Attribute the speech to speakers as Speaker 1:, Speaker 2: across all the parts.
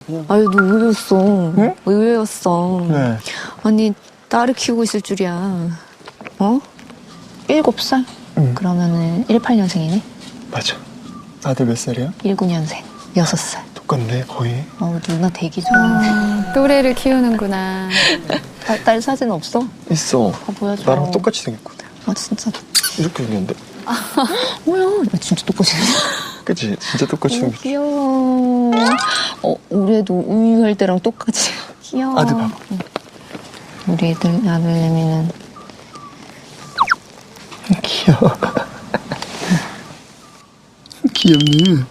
Speaker 1: 아유, 너 의외였어.
Speaker 2: 응?
Speaker 1: 의외였어.
Speaker 2: 네.
Speaker 1: 아니, 딸을 키우고 있을 줄이야. 어? 7살?
Speaker 2: 응.
Speaker 1: 그러면은 18년생이네?
Speaker 2: 맞아. 아들 몇 살이야?
Speaker 1: 19년생. 6살.
Speaker 2: 똑같네, 거의.
Speaker 1: 누나 되게 좋아.
Speaker 3: 또래를 키우는구나.
Speaker 1: 딸 사진 없어?
Speaker 2: 있어.
Speaker 1: 보여줘.
Speaker 2: 나랑 똑같이 생겼거든.
Speaker 1: 진짜.
Speaker 2: 이렇게 생겼는데.
Speaker 1: 뭐야? 나 진짜 똑같이 생겼어.
Speaker 2: 그치? 진짜 똑같이
Speaker 1: 너무
Speaker 2: 생겼어.
Speaker 1: 귀여워. 우리 애도 우유할 때랑 똑같이. 귀여워.
Speaker 2: 아들 봐봐.
Speaker 1: 우리 아들내미는
Speaker 2: 귀여워. 귀엽네.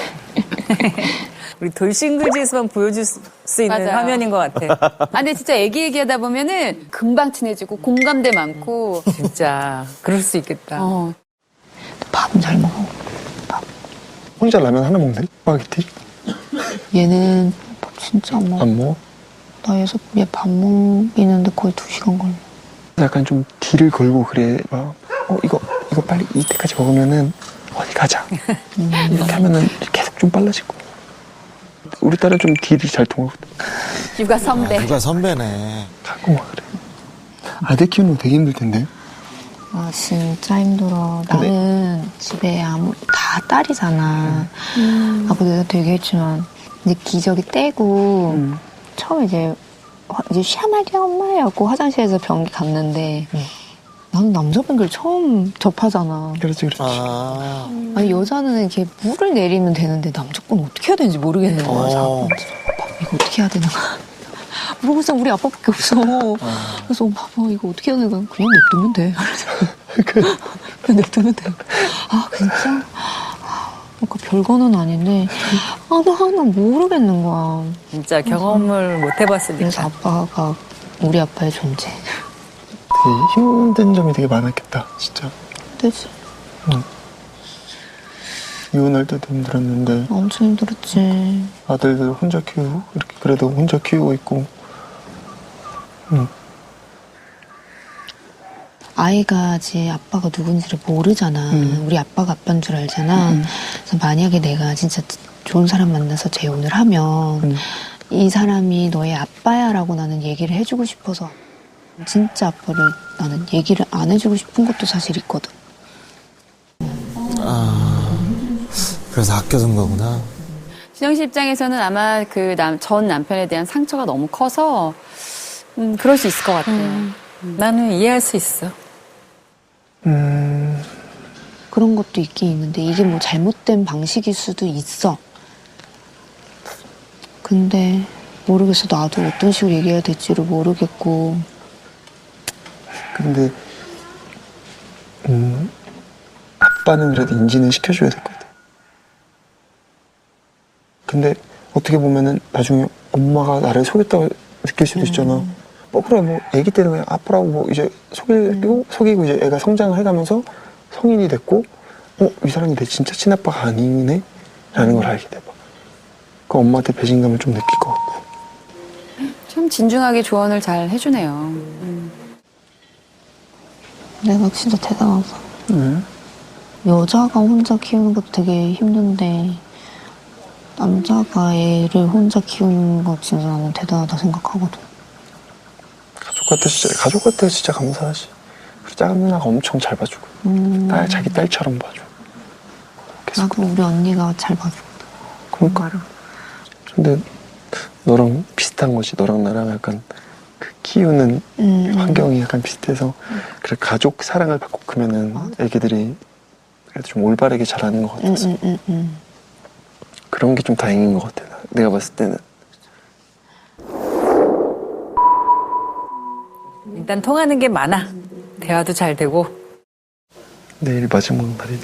Speaker 4: 우리 돌싱글즈에서만 보여줄 수 있는
Speaker 3: 맞아요.
Speaker 4: 화면인 것 같아.
Speaker 3: 근데 진짜 얘기하다 보면은 금방 친해지고 공감대 많고.
Speaker 4: 진짜 그럴 수 있겠다.
Speaker 1: 밥은 잘 먹어. 밥.
Speaker 2: 혼자 라면 하나 먹네? 스파게티?
Speaker 1: 얘는 밥 진짜 안 먹어.
Speaker 2: 안 먹어?
Speaker 1: 나 얘 밥 먹이는데 거의 2시간 걸려.
Speaker 2: 약간 좀 딜을 걸고 그래. 막, 이거 빨리 이때까지 먹으면은 어디 가자. 이렇게 하면은 계속 좀 빨라지고. 우리 딸은 좀 딜이 잘 통하거든.
Speaker 3: 육아 선배.
Speaker 5: 누가 선배네.
Speaker 2: 가끔 막 그래. 아들 키우는 거 되게 힘들 텐데.
Speaker 1: 진짜 힘들어. 나는 집에 다 딸이잖아. 아까 내가 되게 했지만 이제 기저귀 떼고 처음에 이제 샤마리아 엄마라고 화장실에서 변기 갔는데 나는 남자 변기를 처음 접하잖아.
Speaker 2: 그렇지.
Speaker 5: 아.
Speaker 1: 아니 여자는 이렇게 물을 내리면 되는데 남자 건 어떻게 해야 되는지 모르겠는 거야. 아빠 이거 어떻게 해야 되나? 물어보자 우리 아빠밖에 없어. 그래서 봐봐 이거 어떻게 해야 되나? 그냥 냅두면 돼. 그냥 냅두면 돼. 진짜? 그러니까 별거는 아닌데 나 모르겠는 거야.
Speaker 4: 진짜 경험을 못
Speaker 1: 그래서
Speaker 4: 해봤으니까.
Speaker 1: 아빠가 우리 아빠의 존재.
Speaker 2: 되게 힘든 점이 되게 많았겠다, 진짜.
Speaker 1: 그치?
Speaker 2: 이혼할 때도 힘들었는데
Speaker 1: 엄청 힘들었지.
Speaker 2: 아들들 혼자 키우고 이렇게 그래도 혼자 키우고 있고.
Speaker 1: 아이가 이제 아빠가 누군지를 모르잖아. 우리 아빠가 아빠인 줄 알잖아. 그래서 만약에 내가 진짜 좋은 사람 만나서 재혼을 하면 이 사람이 너의 아빠야라고 나는 얘기를 해주고 싶어서 진짜 아빠를 나는 얘기를 안 해주고 싶은 것도 사실 있거든.
Speaker 5: 그래서 아껴둔 거구나.
Speaker 3: 진영 씨 입장에서는 아마 그 전 남편에 대한 상처가 너무 커서 그럴 수 있을 것 같아요.
Speaker 4: 나는 이해할 수 있어.
Speaker 1: 그런 것도 있긴 있는데 이게 뭐 잘못된 방식일 수도 있어. 근데 모르겠어. 나도 어떤 식으로 얘기해야 될지를 모르겠고.
Speaker 2: 근데 아빠는 그래도 인지는 시켜줘야 될 것 같아. 근데 어떻게 보면은 나중에 엄마가 나를 속였다고 느낄 수도 있잖아. 그래 뭐 아기 때는 그냥 아빠라고 뭐 이제 속이고 이제 애가 성장을 해가면서 성인이 됐고 이 사람이 내 진짜 친아빠가 아니네? 라는 걸 알게 돼봐. 그 엄마한테 배신감을 좀 느낄 것 같고.
Speaker 3: 참 진중하게 조언을 잘 해주네요.
Speaker 1: 내가 진짜 대단하다.
Speaker 2: 응?
Speaker 1: 여자가 혼자 키우는 것도 되게 힘든데 남자가 애를 혼자 키우는 거 진짜 나는 대단하다 생각하거든.
Speaker 2: 가족 같아 진짜 감사하지. 그리고 작은 누나가 엄청 잘 봐주고 자기 딸처럼 봐줘. 계속.
Speaker 1: 나도 우리 언니가 잘 봐주거든.
Speaker 2: 그러니까. 근데 너랑 비슷한 거지. 너랑 나랑 약간 그 키우는 환경이 약간 비슷해서 그래 가족 사랑을 받고 크면은 애기들이 그래도 좀 올바르게 자라는 것 같아서 그런 게 좀 다행인 것 같아. 내가 봤을 때는.
Speaker 4: 일단 통하는 게 많아. 대화도 잘 되고.
Speaker 2: 내일 마지막 날이네.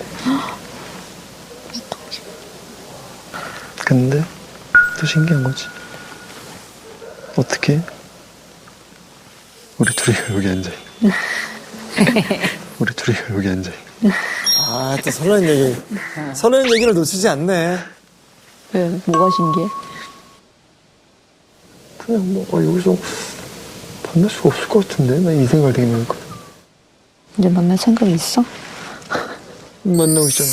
Speaker 2: 근데 또 신기한 거지. 어떻게 우리 둘이 여기 앉아있네. 우리 둘이 여기 앉아있네.
Speaker 5: 또 설레는 얘기. 설레는 얘기를 놓치지 않네.
Speaker 1: 왜? 뭐가 신기해?
Speaker 2: 그냥 뭐 여기서 만날 수가 없을 것 같은데? 나 이 생각을 되게 많이 했거든.
Speaker 1: 이제 만날 생각이 있어?
Speaker 2: 만나고 있잖아.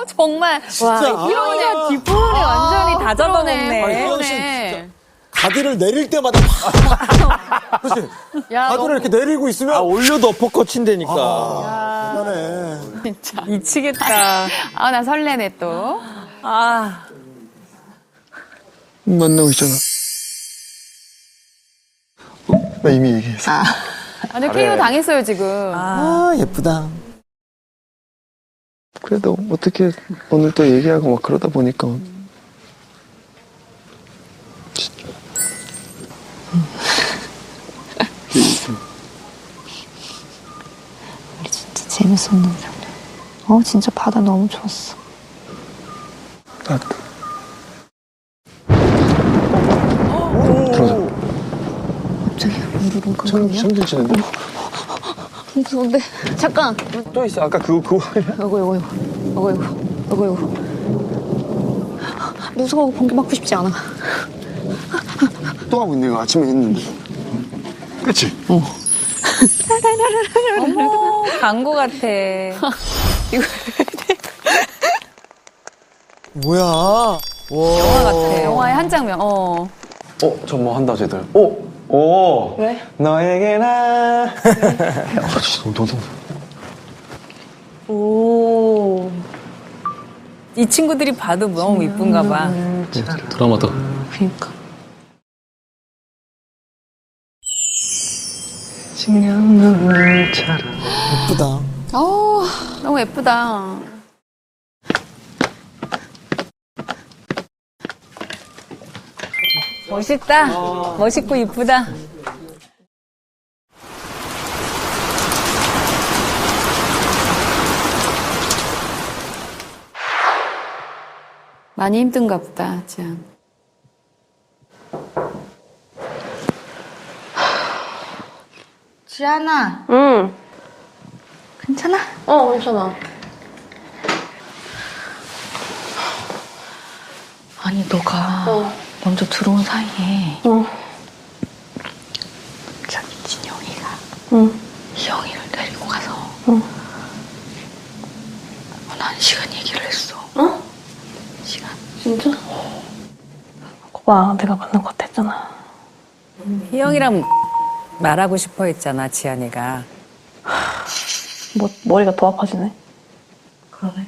Speaker 3: 정말. 와, 희영이가 뒷부분이 완전히 다
Speaker 4: 잡아먹네.
Speaker 5: 희영 씨
Speaker 3: 그러네.
Speaker 5: 진짜 가드를 내릴 때마다 막. 그렇지.
Speaker 3: 야,
Speaker 5: 가드를 이렇게 내리고 있으면.
Speaker 2: 올려도 어퍼컷 친다니까.
Speaker 5: 대단해.
Speaker 3: 진짜.
Speaker 4: 미치겠다.
Speaker 3: 아, 나 설레네 또.
Speaker 4: 아,
Speaker 2: 만나고 있잖아. 나 이미 얘기했어.
Speaker 3: 완전 KO 당했어요, 지금.
Speaker 5: 아, 예쁘다.
Speaker 2: 그래도 어떻게 오늘 또 얘기하고 막 그러다 보니까 진짜.
Speaker 1: 우리 진짜 재밌었는데. 진짜 바다 너무 좋았어.
Speaker 2: 나도. 들어가자.
Speaker 1: 갑자기 무릎은 끙끙이야?
Speaker 2: 성진 치는데?
Speaker 1: 무서운데. 잠깐.
Speaker 2: 또 있어. 아까 그거.
Speaker 1: 어구. 무서워. 번개 맞고 싶지 않아.
Speaker 2: 또 하고 있네. 이거 아침에 했는데. 그치?
Speaker 4: 어머, 광고 같아.
Speaker 5: 뭐야. 와.
Speaker 4: 영화 같아.
Speaker 3: 영화의 한 장면,
Speaker 2: 저 뭐 한다, 쟤들. 오!
Speaker 4: 왜?
Speaker 2: 너에게나. 진짜 너무
Speaker 4: 오. 이 친구들이 봐도 너무 이쁜가 봐.
Speaker 6: 드라마다.
Speaker 1: 그니까.
Speaker 2: 식량 눈물처럼.
Speaker 5: 예쁘다.
Speaker 3: 너무 예쁘다.
Speaker 4: 멋있다. 멋있고 이쁘다.
Speaker 3: 많이 힘든가 보다, 지안.
Speaker 1: 지안아.
Speaker 7: 응.
Speaker 1: 괜찮아?
Speaker 7: 괜찮아.
Speaker 1: 아니, 너가 먼저 들어온 사이에 저기 진영이가 희영이를 데리고 가서 난 시간 얘기를 했어. 시간.
Speaker 7: 진짜? 거봐, 내가 만난 것 같아 했잖아.
Speaker 4: 희영이랑 말하고 싶어 했잖아, 지안이가.
Speaker 7: 머리가 더 아파지네.
Speaker 1: 그러네.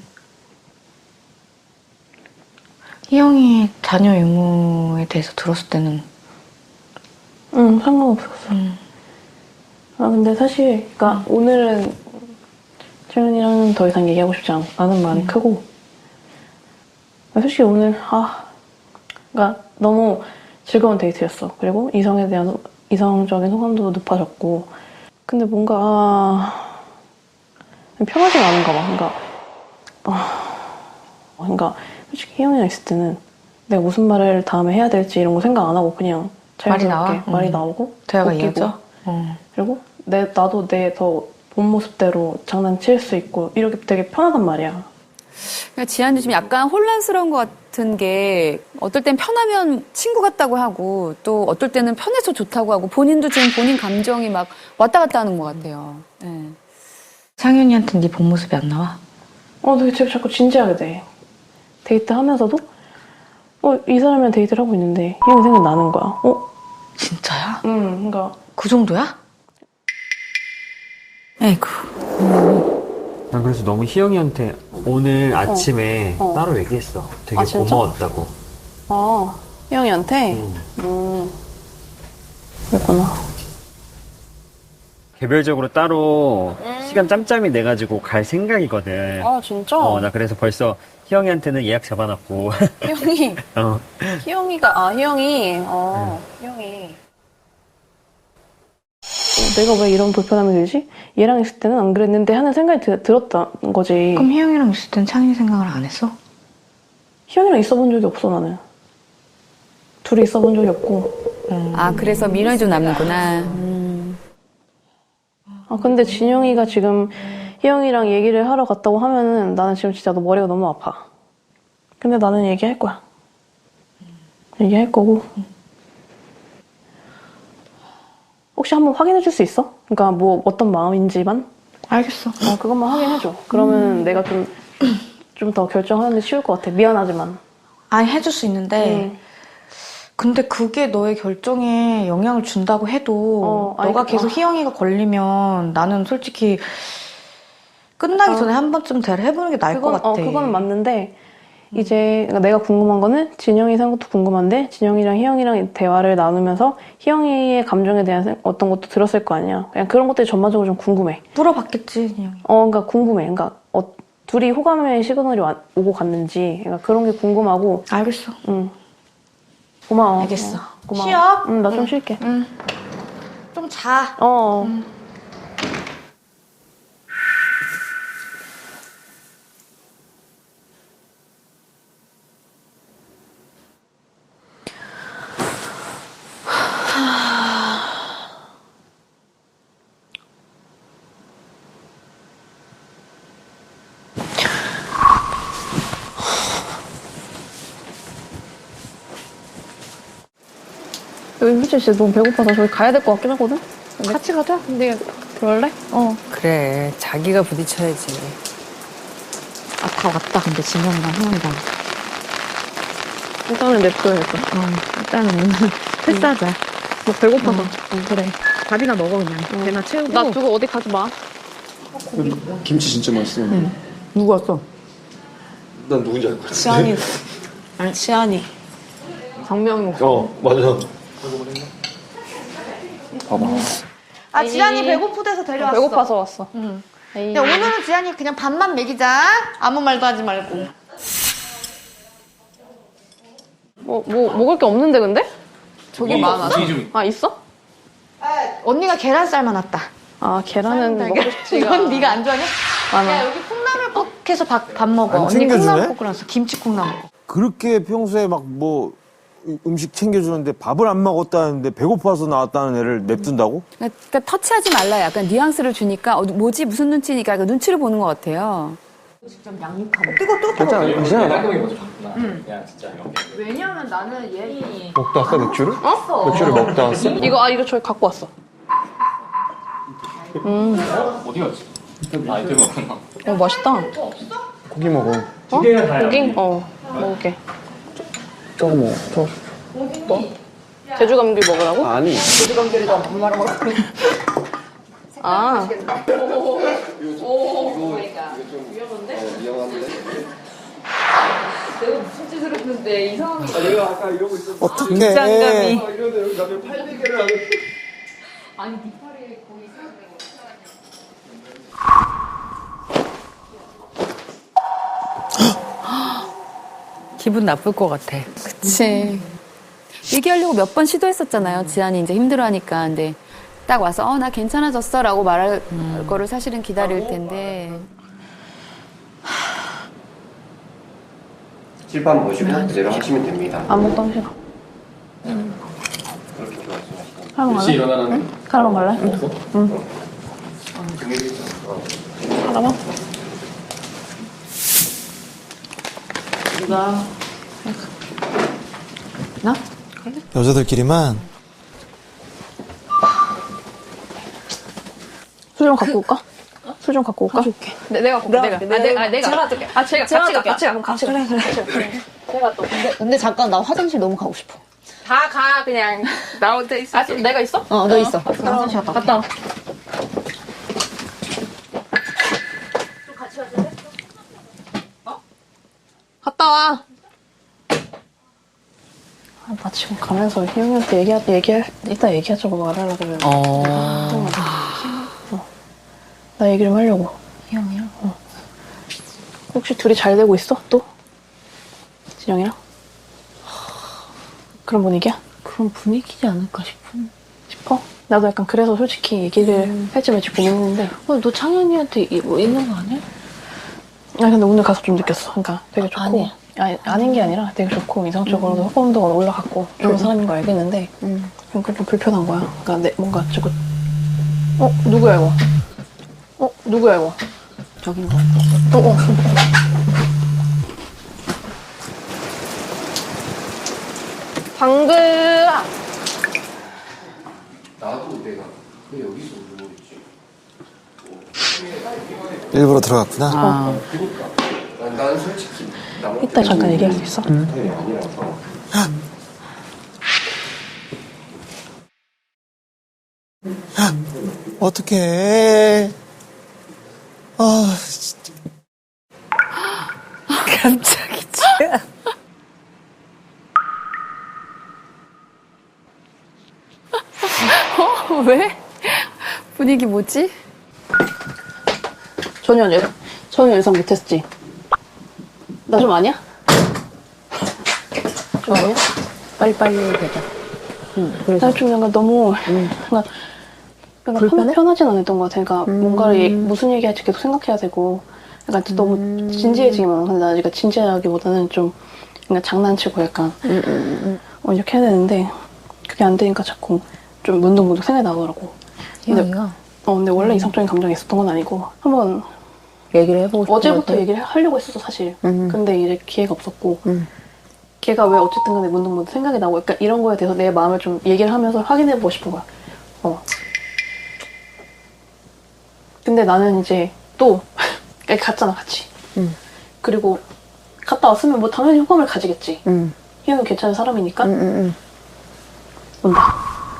Speaker 1: 희영이 자녀 의무에 대해서 들었을 때는
Speaker 7: 응, 상관없었어. 근데 사실, 그니까 오늘은 채연이랑 더 이상 얘기하고 싶지 않은 마음이 크고, 솔직히 오늘, 그니까 너무 즐거운 데이트였어. 그리고 이성에 대한 이성적인 호감도도 높아졌고, 근데 뭔가, 편하지가 않은가 봐. 그러니까 솔직히 희영이랑 있을 때는 내가 무슨 말을 다음에 해야 될지 이런 거 생각 안 하고 그냥 자연스럽게
Speaker 1: 나와?
Speaker 7: 말이 나오고
Speaker 1: 대화가
Speaker 7: 웃기고.
Speaker 1: 이어져?
Speaker 7: 그리고 나도 내 더 본 모습대로 장난칠 수 있고 이렇게 되게 편하단 말이야.
Speaker 3: 그러니까 지안도 지금 약간 혼란스러운 것 같은 게 어떨 땐 편하면 친구 같다고 하고 또 어떨 때는 편해서 좋다고 하고 본인도 지금 본인 감정이 막 왔다 갔다 하는 것 같아요. 네.
Speaker 1: 상윤이한테 네 본 모습이 안 나와?
Speaker 7: 되게 자꾸 진지하게 돼. 데이트 하면서도 이 사람이랑 데이트를 하고 있는데 희영이 생각나는 거야.
Speaker 1: 진짜야?
Speaker 7: 그러니까
Speaker 1: 그 정도야? 에이구.
Speaker 6: 난 그래서 너무 희영이한테 오늘 아침에 따로 얘기했어. 되게
Speaker 7: 진짜?
Speaker 6: 고마웠다고.
Speaker 7: 희영이한테? 그랬구나.
Speaker 6: 개별적으로 따로 시간 짬짬이 내가지고 갈 생각이거든.
Speaker 7: 진짜?
Speaker 6: 나 그래서 벌써 희영이한테는 예약 잡아놨고.
Speaker 7: 희영이. 희영이가, 희영이. 내가 왜 이런 불편함이 들지? 얘랑 있을 때는 안 그랬는데 하는 생각이 들었던 거지.
Speaker 1: 그럼 희영이랑 있을 땐 창윤이 생각을 안 했어?
Speaker 7: 희영이랑 있어본 적이 없어, 나는. 둘이 있어본 적이 없고.
Speaker 3: 아, 그래서 미련이 좀 남는구나.
Speaker 7: 근데 진영이가 지금 희영이랑 얘기를 하러 갔다고 하면은 나는 지금 진짜 너 머리가 너무 아파. 근데 나는 얘기할 거야. 얘기할 거고. 혹시 한번 확인해 줄 수 있어? 그러니까 뭐 어떤 마음인지만?
Speaker 1: 알겠어.
Speaker 7: 그것만 확인해 줘. 그러면 내가 좀 좀 더 결정하는데 쉬울 것 같아. 미안하지만.
Speaker 8: 아니 해줄 수 있는데 근데 그게 너의 결정에 영향을 준다고 해도
Speaker 7: 아니,
Speaker 8: 너가 계속 희영이가 걸리면 나는 솔직히 끝나기 전에 한 번쯤 대화를 해보는 게 나을 것 같아.
Speaker 7: 그거는 맞는데 이제 그러니까 내가 궁금한 거는 진영이 생각 것도 궁금한데 진영이랑 희영이랑 대화를 나누면서 희영이의 감정에 대한 어떤 것도 들었을 거 아니야. 그냥 그런 것들이 전반적으로 좀 궁금해.
Speaker 8: 물어봤겠지 그냥.
Speaker 7: 그러니까 궁금해. 그러니까 둘이 호감의 시그널이 오고 갔는지 그러니까 그런 게 궁금하고.
Speaker 8: 알겠어.
Speaker 7: 응. 고마워.
Speaker 8: 알겠어.
Speaker 7: 고마워.
Speaker 8: 쉬어?
Speaker 7: 응, 나 좀 쉴게.
Speaker 8: 좀 자.
Speaker 7: 여기 솔직히 진짜 너무 배고파서 저기 가야 될 것 같긴 하거든? 같이 가자. 근데 그럴래?
Speaker 4: 그래, 자기가 부딪혀야지.
Speaker 1: 다 왔다, 근데 진영이랑 희영이랑.
Speaker 7: 일단은 냅둬야겠다.
Speaker 1: 일단은 패스하자.
Speaker 7: 뭐 배고파서.
Speaker 1: 그래. 밥이나 먹어, 그냥. 배나 채우고.
Speaker 7: 나 두고 어디 가지 마.
Speaker 2: 김치 진짜 맛있어.
Speaker 1: 누구 왔어?
Speaker 2: 난 누군지 알 것 같아.
Speaker 8: 지안이. 아니 지안이.
Speaker 7: 장명이.
Speaker 2: 맞아. 봐봐.
Speaker 8: 아 지안이 배고프대서 데려왔어.
Speaker 7: 배고파서 왔어.
Speaker 8: 근데 오늘은 지안이 그냥 밥만 먹이자. 아무 말도 하지 말고.
Speaker 7: 뭐 먹을 게 없는데 근데?
Speaker 3: 저기 많아서.
Speaker 7: 아 있어?
Speaker 8: 언니가 계란쌀만 왔다.
Speaker 7: 아 계란은 먹고 싶지가.
Speaker 8: 넌 네가 안 좋아하냐?
Speaker 7: 않아.
Speaker 8: 야 여기 콩나물국 해서 밥 먹어.
Speaker 5: 안
Speaker 8: 언니
Speaker 5: 챙겨주네?
Speaker 8: 콩나물국 끓였어. 김치 콩나물국.
Speaker 5: 그렇게 평소에 막 뭐 음식 챙겨주는데 밥을 안 먹었다는데 배고파서 나왔다는 애를 냅둔다고?
Speaker 3: 그러니까 터치하지 말라 약간 뉘앙스를 주니까 뭐지 무슨 눈치니까 약간 눈치를 보는 것 같아요.
Speaker 2: 괜찮아.
Speaker 1: 왜냐면 나는 얘.
Speaker 2: 먹다 왔어, 맥주를? 맥주를 먹다 왔어?
Speaker 7: 이거 저기 갖고 왔어.
Speaker 9: 어디 갔지? 아, 이때 먹었나?
Speaker 7: 맛있다.
Speaker 2: 고기 먹어.
Speaker 7: 고기? 먹을게.
Speaker 2: 저거 먹어. 저거.
Speaker 7: 제주 감귤 먹으라고?
Speaker 2: 아니.
Speaker 7: 아.
Speaker 5: 어떡해.
Speaker 4: 긴장감이. 기분 나쁠 것 같아.
Speaker 3: 그치. 얘기하려고 몇 번 시도했었잖아요. 지안이 이제 힘들어하니까. 근데 딱 와서 나 괜찮아졌어라고 말할 거를 사실은 기다릴 텐데.
Speaker 10: 칠판 보시고 그대로 하시면 됩니다.
Speaker 7: 아무것도 싫어.
Speaker 10: 그렇게 말씀하시면.
Speaker 7: 카라방 갈래?
Speaker 9: 일어나는
Speaker 7: 카라방 갈래? 응. 카라방?
Speaker 5: 여자들끼리만
Speaker 7: 술 좀 갖고 올까? 술 좀 갖고 올까? 가져올게. 내가 갖고 올게. 내가 가져올게. 같이 가. 그래. 제가 또.
Speaker 1: 근데 잠깐 나 화장실 너무 가고 싶어.
Speaker 7: 다 가, 그냥. 나 혼자 있어. 내가 있어?
Speaker 1: 너 있어. 화장실 갔다.
Speaker 7: 갔다 와. 갔다 와. 나 지금 가면서 희영이한테 이따 얘기하자고 말하려고 그래. 나 얘기 좀 하려고.
Speaker 1: 희영이랑?
Speaker 7: 혹시 둘이 잘 되고 있어? 또? 진영이랑? 그런 분위기야?
Speaker 1: 그런 분위기지 않을까
Speaker 7: 싶어? 나도 약간 그래서 솔직히 얘기를 할지 말지 고민했는데.
Speaker 1: 너 창현이한테 뭐 있는 거 아니야?
Speaker 7: 아니 근데 오늘 가서 좀 느꼈어. 그러니까 되게 좋고. 아닌 게 아니라 되게 좋고 이성적으로도 호감도가 올라갔고 좋은 사람인 거 알겠는데 좀 불편한 거야. 그러니까 뭔가 자꾸 누구야 이거? 누구야 이거?
Speaker 1: 저긴 거.
Speaker 7: 방글아.
Speaker 10: 나도 내가 왜 여기서 울고 있지?
Speaker 5: 일부러 들어갔구나.
Speaker 10: 나는 난 솔직히
Speaker 7: 이따 잠깐 얘기할 수 있어?
Speaker 10: 스타일이 아니라서.
Speaker 2: 어떡해. 아, 진짜.
Speaker 4: 깜짝이 진짜.
Speaker 3: 왜? 분위기 뭐지?
Speaker 7: 전혀 예상 못했지? 나 좀 아니야? 좀 아니야?
Speaker 1: 빨리빨리 되자.
Speaker 7: 나 좀 약간 너무 그러니까 편하진 않았던 것 같아. 그러니까 뭔가를 무슨 얘기할지 계속 생각해야 되고 약간 너무 진지해지기만. 근데 나 그러니까 진지하기보다는 좀 그냥 장난치고 약간 이렇게 해야 되는데 그게 안 되니까 자꾸 좀 문득문득 생각이 나더라고. 근데 원래 이상적인 감정이 있었던 건 아니고 한번
Speaker 1: 얘기를 해보고 싶은
Speaker 7: 어제부터 얘기를 하려고 했었어 사실. 근데 이제 기회가 없었고 걔가 왜 어쨌든 간에 문득문득 생각이 나고 약간 이런 거에 대해서 내 마음을 좀 얘기를 하면서 확인해보고 싶은 거야. 근데 나는 이제 또 갔잖아 같이. 그리고 갔다 왔으면 뭐 당연히 호감을 가지겠지. 희영은 괜찮은 사람이니까 온다.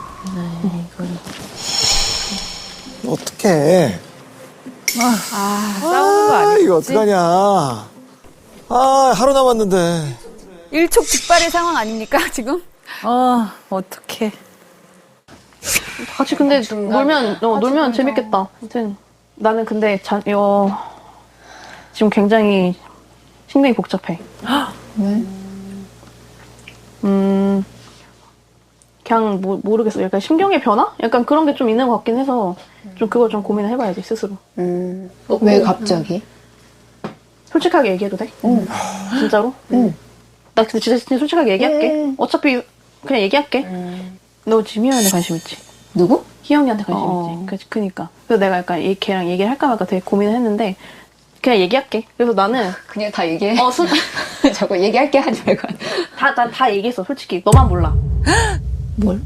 Speaker 2: 어떡해.
Speaker 4: 싸우는 거 아니지?
Speaker 2: 이거 어떡하냐. 아, 하루 남았는데.
Speaker 3: 일촉즉발의 상황 아닙니까, 지금?
Speaker 4: 어떡해.
Speaker 7: 같이 근데 놀면 재밌겠다. 하여튼 나는 근데 지금 굉장히 심경이 복잡해.
Speaker 1: 왜?
Speaker 7: 그냥 모르겠어. 약간 심경의 변화? 약간 그런 게 좀 있는 것 같긴 해서 좀 그걸 좀 고민을 해봐야지 스스로.
Speaker 1: 왜 갑자기?
Speaker 7: 솔직하게 얘기해도 돼? 진짜로? 나 근데 진짜 솔직하게 얘기할게. 어차피 그냥 얘기할게. 너 지금 희영이한테 관심 있지?
Speaker 1: 누구?
Speaker 7: 희영이한테 관심 있지? 그니까. 그래서 내가 약간 걔랑 얘기를 할까 말까 되게 고민을 했는데 그냥 얘기할게. 그래서 나는
Speaker 1: 그냥 다 얘기해.
Speaker 7: 순
Speaker 1: 자꾸 얘기할게 하지 말고.
Speaker 7: 다 얘기했어 솔직히. 너만 몰라.
Speaker 1: 뭘?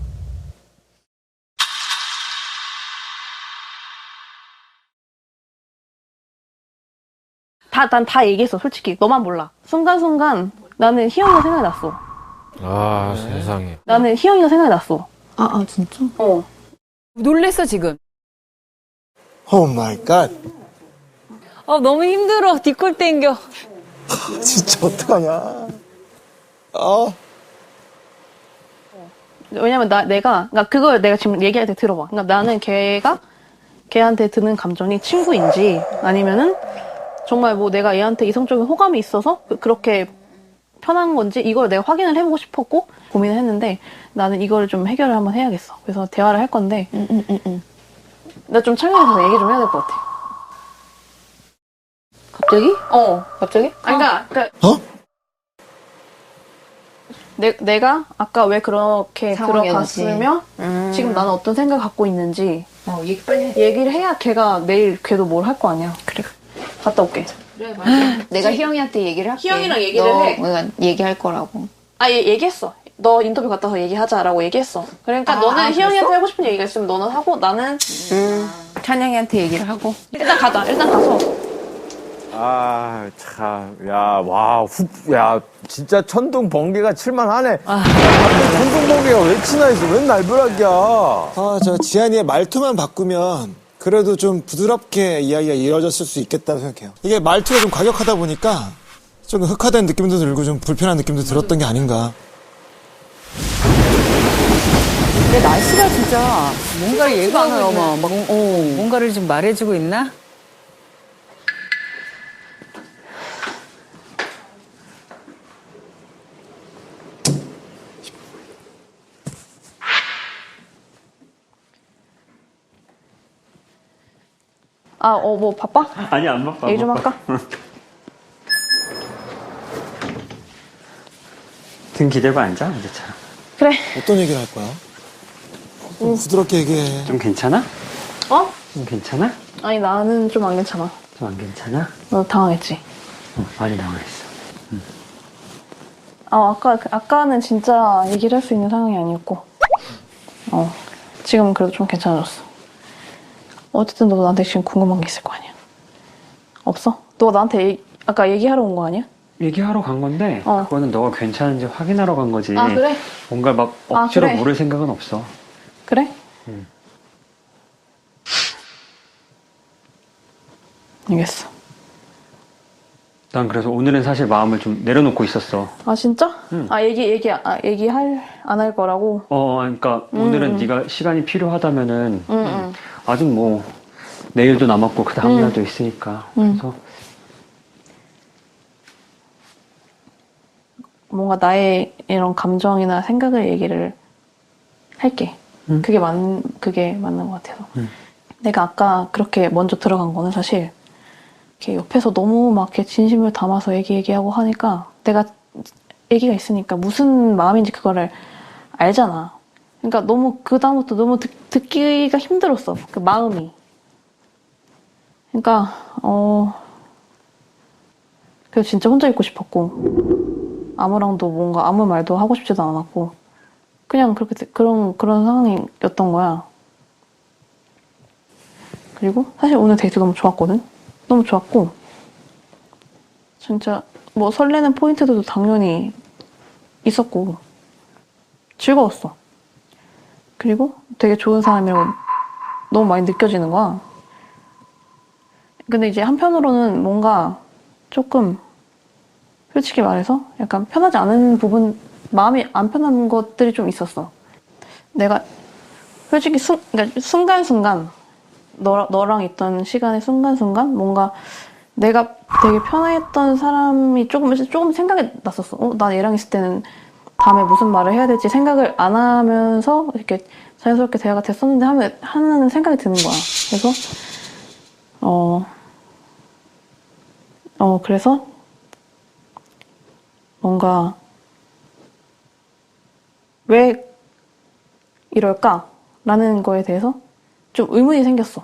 Speaker 7: 난 다 얘기했어 솔직히. 너만 몰라. 순간순간 나는 희영이가 생각이 났어.
Speaker 5: 아, 세상에.
Speaker 7: 나는 희영이가 생각이 났어.
Speaker 1: 진짜?
Speaker 3: 놀랬어, 지금.
Speaker 2: 오 마이 갓.
Speaker 4: 너무 힘들어. 뒷골 땡겨.
Speaker 2: 진짜 어떡하냐.
Speaker 7: 왜냐면 그러니까 그걸 내가 지금 얘기할 때 들어봐. 그러니까 나는 걔한테 드는 감정이 친구인지 아니면은 정말 뭐 내가 얘한테 이성적인 호감이 있어서 그렇게 편한 건지 이걸 내가 확인을 해보고 싶었고 고민을 했는데 나는 이걸 좀 해결을 한번 해야겠어. 그래서 대화를 할 건데 나 좀 창의해서 얘기 좀 해야 될 것 같아.
Speaker 1: 갑자기? 갑자기?
Speaker 7: 그러니까 내가 아까 왜 그렇게
Speaker 1: 상황이었지.
Speaker 7: 들어갔으며 지금 나는 어떤 생각 갖고 있는지
Speaker 1: 얘기 빨리 해.
Speaker 7: 얘기를 해야 내일 걔도 뭘 할 거 아니야. 그래. 갔다 올게.
Speaker 1: 그래, 맞아. 내가 희영이한테 얘기를 할게.
Speaker 7: 희영이랑 얘기를 해.
Speaker 1: 그러니까 얘기할 거라고.
Speaker 7: 얘기했어. 너 인터뷰 갔다 와서 얘기하자라고 얘기했어. 그러니까 너는 희영이한테 하고 싶은 얘기가 있으면 너는 하고 나는
Speaker 1: 찬영이한테 얘기를 하고.
Speaker 7: 일단 가자. 일단 가서.
Speaker 5: 아, 참. 야, 진짜 천둥 번개가 칠만하네. 천둥 번개가 왜 치나 있어? 웬 날벼락이야.
Speaker 2: 저 지한이의 말투만 바꾸면 그래도 좀 부드럽게 이야기가 이루어졌을 수 있겠다고 생각해요. 이게 말투가 좀 과격하다 보니까 좀 흑화된 느낌도 들고 좀 불편한 느낌도 들었던 게 아닌가.
Speaker 4: 근데 날씨가 진짜 뭔가를 예고하는 뭔가를 좀 말해주고 있나?
Speaker 7: 뭐 바빠?
Speaker 6: 아니, 안 바빠.
Speaker 7: 얘기 좀 할까?
Speaker 6: 등 기대고 앉아, 언제처럼.
Speaker 7: 그래.
Speaker 2: 어떤 얘기를 할 거야? 좀 부드럽게 얘기해.
Speaker 6: 좀 괜찮아?
Speaker 7: 어?
Speaker 6: 좀 괜찮아?
Speaker 7: 아니 나는 좀 안 괜찮아.
Speaker 6: 좀 안 괜찮아?
Speaker 7: 너 당황했지?
Speaker 6: 많이 당황했어.
Speaker 7: 아까는 진짜 얘기를 할 수 있는 상황이 아니었고 지금은 그래도 좀 괜찮아졌어. 어쨌든 너 나한테 지금 궁금한 게 있을 거 아니야. 없어? 너 나한테 아까 얘기하러 온 거 아니야?
Speaker 6: 얘기하러 간 건데 그거는 너가 괜찮은지 확인하러 간 거지.
Speaker 7: 아, 그래?
Speaker 6: 뭔가 막 억지로
Speaker 7: 그래.
Speaker 6: 물을 생각은 없어.
Speaker 7: 그래? 알겠어.
Speaker 6: 난 그래서 오늘은 사실 마음을 좀 내려놓고 있었어.
Speaker 7: 아, 진짜?
Speaker 6: 응.
Speaker 7: 얘기할, 안 할 거라고?
Speaker 6: 그러니까 오늘은 네가 시간이 필요하다면은
Speaker 7: 응.
Speaker 6: 아직 뭐 내일도 남았고 그 다음날도 있으니까. 그래서
Speaker 7: 뭔가 나의 이런 감정이나 생각을 얘기를 할게. 그게 맞는 것 같아서. 내가 아까 그렇게 먼저 들어간 거는 사실 이렇게 옆에서 너무 막 이렇게 진심을 담아서 얘기하고 하니까 내가 얘기가 있으니까 무슨 마음인지 그거를 알잖아. 그러니까 너무 그다음부터 너무 듣기가 힘들었어. 그 마음이. 그러니까 그래서 진짜 혼자 있고 싶었고 아무랑도 뭔가 아무 말도 하고 싶지도 않았고 그냥 그렇게 그런 상황이었던 거야. 그리고 사실 오늘 데이트 너무 좋았거든. 너무 좋았고 진짜 뭐 설레는 포인트들도 당연히 있었고 즐거웠어. 그리고 되게 좋은 사람이라고 너무 많이 느껴지는 거야. 근데 이제 한편으로는 뭔가 조금 솔직히 말해서 약간 편하지 않은 부분, 마음이 안 편한 것들이 좀 있었어. 내가 솔직히 그러니까 순간순간 너랑 있던 시간의 순간순간 뭔가 내가 되게 편했던 사람이 조금 생각이 났었어. 나 얘랑 있을 때는 다음에 무슨 말을 해야 될지 생각을 안 하면서 이렇게 자연스럽게 대화가 됐었는데 하는 생각이 드는 거야. 그래서 그래서 뭔가 왜 이럴까라는 거에 대해서 좀 의문이 생겼어.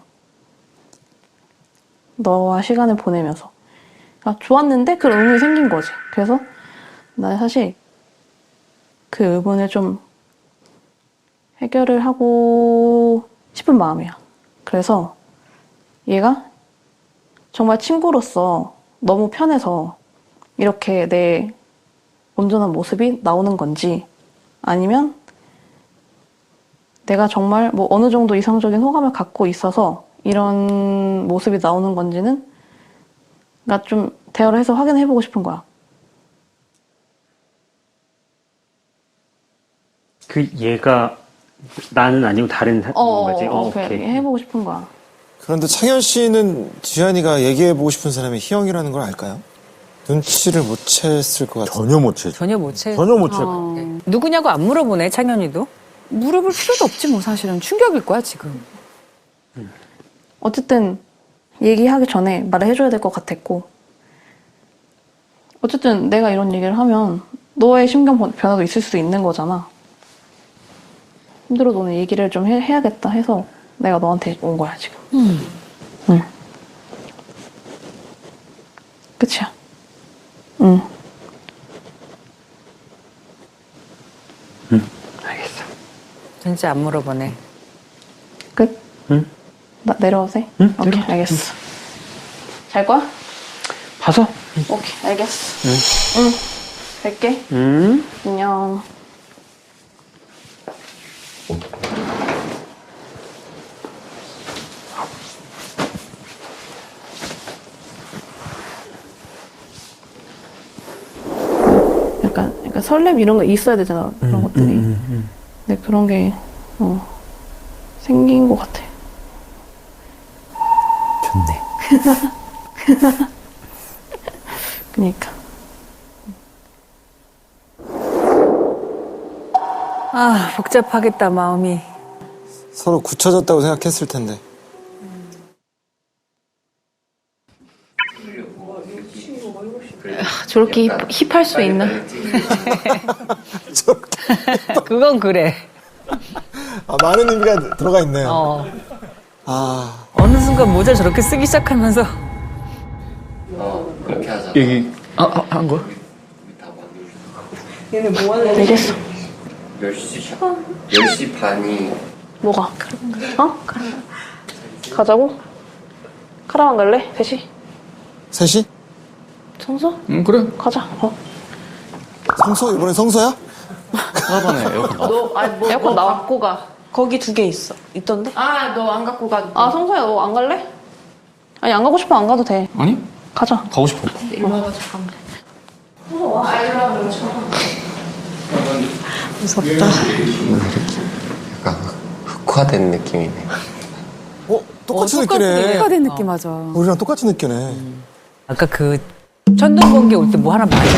Speaker 7: 너와 시간을 보내면서. 좋았는데 그런 의문이 생긴 거지. 그래서 나는 사실 그 의문을 좀 해결을 하고 싶은 마음이야. 그래서 얘가 정말 친구로서 너무 편해서 이렇게 내 온전한 모습이 나오는 건지 아니면 내가 정말 뭐 어느 정도 이상적인 호감을 갖고 있어서 이런 모습이 나오는 건지는 나 좀 대화를 해서 확인해보고 싶은 거야.
Speaker 6: 그 얘가 나는 아니고 다른 거지?
Speaker 7: 오케이. 해보고 싶은 거야.
Speaker 5: 그런데 창현 씨는 지한이가 얘기해보고 싶은 사람이 희영이라는 걸 알까요? 눈치를 못 챘을 것 같아요.
Speaker 4: 전혀 못 채.
Speaker 5: 전혀 못 챘.
Speaker 4: 누구냐고 안 물어보네, 창현이도.
Speaker 3: 물어볼 필요도 없지 뭐 사실은. 충격일 거야 지금.
Speaker 7: 어쨌든 얘기하기 전에 말을 해줘야 될 것 같았고 어쨌든 내가 이런 얘기를 하면 너의 심경 변화도 있을 수도 있는 거잖아. 힘들어도 오늘 얘기를 좀 해야겠다 해서 내가 너한테 온 거야 지금. 응. 끝이야. 응.
Speaker 6: 알겠어.
Speaker 4: 진짜 안 물어보네.
Speaker 7: 끝?
Speaker 6: 응.
Speaker 7: 나 내려와도 돼?
Speaker 6: 응,
Speaker 7: 오케이,
Speaker 6: 내려와.
Speaker 7: 알겠어. 잘 거야?
Speaker 6: 봐서?
Speaker 7: 오케이, 알겠어. 응. 갈게. 안녕. 약간 설렘 이런 거 있어야 되잖아. 그런 것들이. 근데 그런 게 생긴 것 같아.
Speaker 4: 좋네.
Speaker 7: 그러니까.
Speaker 4: 아, 복잡하겠다, 마음이.
Speaker 5: 서로 굳혀졌다고 생각했을 텐데.
Speaker 7: 저렇게 힙할 수 있나?
Speaker 4: 그건 그래.
Speaker 5: 많은 의미가 들어가 있네요.
Speaker 4: 어느 순간 모자 저렇게 쓰기 시작하면서.
Speaker 10: 그렇게 하자.
Speaker 6: 얘기, 한 거야?
Speaker 7: 알겠어.
Speaker 10: 10시 반이
Speaker 7: 뭐가? 가자고? 카라반 갈래? 셋이?
Speaker 5: 셋이?
Speaker 7: 성서?
Speaker 9: 응, 그래.
Speaker 7: 가자.
Speaker 11: 성서 이번에 성서야?
Speaker 9: 하반에 에어컨 나.
Speaker 7: 에어컨 나 갖고 가.
Speaker 8: 거기 2개 있어. 있던데?
Speaker 7: 아, 너 안 갖고 가. 아, 성서야, 너 안 갈래? 아니, 안 가고 싶어, 안 가도 돼.
Speaker 9: 아니?
Speaker 7: 가자.
Speaker 9: 가고 싶어.
Speaker 7: 일로 와가지고 가면 돼.
Speaker 8: 무섭다.
Speaker 10: 약간 흑화된 느낌이네.
Speaker 11: 똑같이 느끼네.
Speaker 3: 흑화된 느낌 맞아.
Speaker 11: 우리랑 똑같이 느끼네.
Speaker 4: 아까 그 천둥번개 올 때 뭐 하나 맞은 거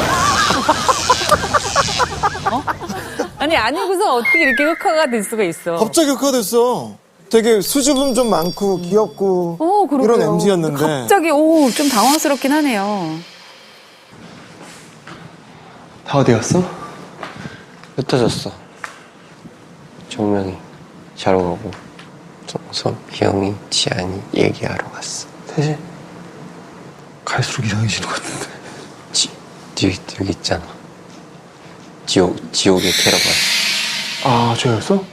Speaker 4: 아니야? 어? 아니 아니고서 어떻게 이렇게 흑화가 될 수가 있어?
Speaker 11: 갑자기 흑화됐어. 되게 수줍음 좀 많고 귀엽고
Speaker 3: 그러게요.
Speaker 11: 이런 MZ였는데.
Speaker 3: 갑자기 좀 당황스럽긴 하네요.
Speaker 2: 다 어디 갔어?
Speaker 10: 흩어졌어. 정명이 자러 가고 정선, 희영이, 지안이 얘기하러 갔어.
Speaker 2: 셋이? 갈수록 이상해지는 것 같은데.
Speaker 10: 여기 있잖아. 지옥의 캐러반.
Speaker 2: 아, 저였어?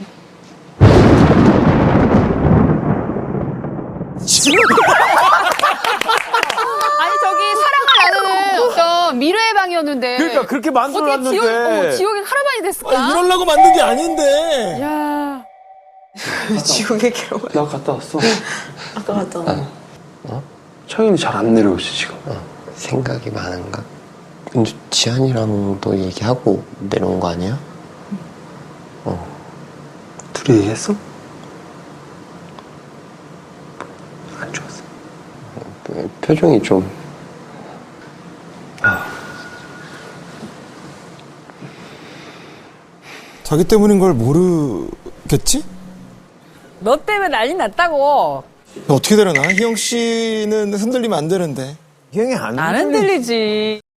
Speaker 3: 아니 저기 사랑을 나누는 어떤 미래의 방이었는데.
Speaker 5: 그러니까 그렇게
Speaker 3: 어떻게
Speaker 5: 만들어놨는데.
Speaker 3: 지옥의 카라반이 됐을까?
Speaker 11: 이러려고 만든 게 아닌데.
Speaker 3: 야.
Speaker 8: 지옥의 괴로워.
Speaker 2: 나 갔다 왔어.
Speaker 8: 아까 갔잖아.
Speaker 2: 차윤이 잘 안 내려오지, 지금.
Speaker 10: 생각이 많은가? 근데 지안이랑도 얘기하고 내려온 거 아니야?
Speaker 2: 둘이 얘기했어?
Speaker 10: 안 좋았어. 표정이 좀.
Speaker 11: 자기 때문인 걸 모르겠지?
Speaker 4: 너 때문에 난리 났다고.
Speaker 11: 어떻게 되려나? 희영 씨는 흔들리면 안 되는데.
Speaker 5: 희영이 안
Speaker 4: 안 흔들리지.